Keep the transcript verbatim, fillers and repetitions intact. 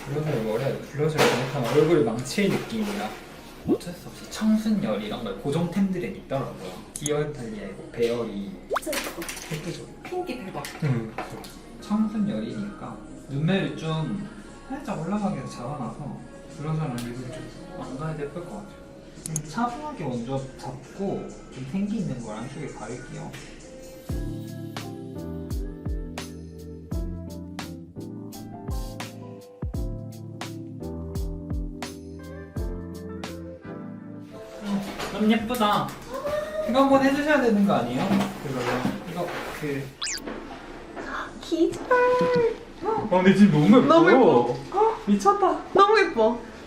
블러셔를 머리에 블러셔를 잘못하면 얼굴이 망칠 느낌이라 어쩔 수 없이 청순열 이런 걸 고정템들은 있더라고요. 디얼탈리아의 배열이 진짜 예뻐. 예쁘죠? 핑기 대박. 응. 청순열이니까 눈매를 좀 살짝 올라가게 잡아놔서 블러셔랑 립을 좀 망가야 예쁠 것 같아요. 좀 차분하게 먼저 잡고 좀 생기 있는 걸 안쪽에 바를게요. 너무 예쁘다. 이거 한번 해주셔야 되는 거 아니에요? 그거요. 이거 그. 기절. 아 근데 지금 너무 예뻐요. 너무 예뻐. 미쳤다. 너무 예뻐.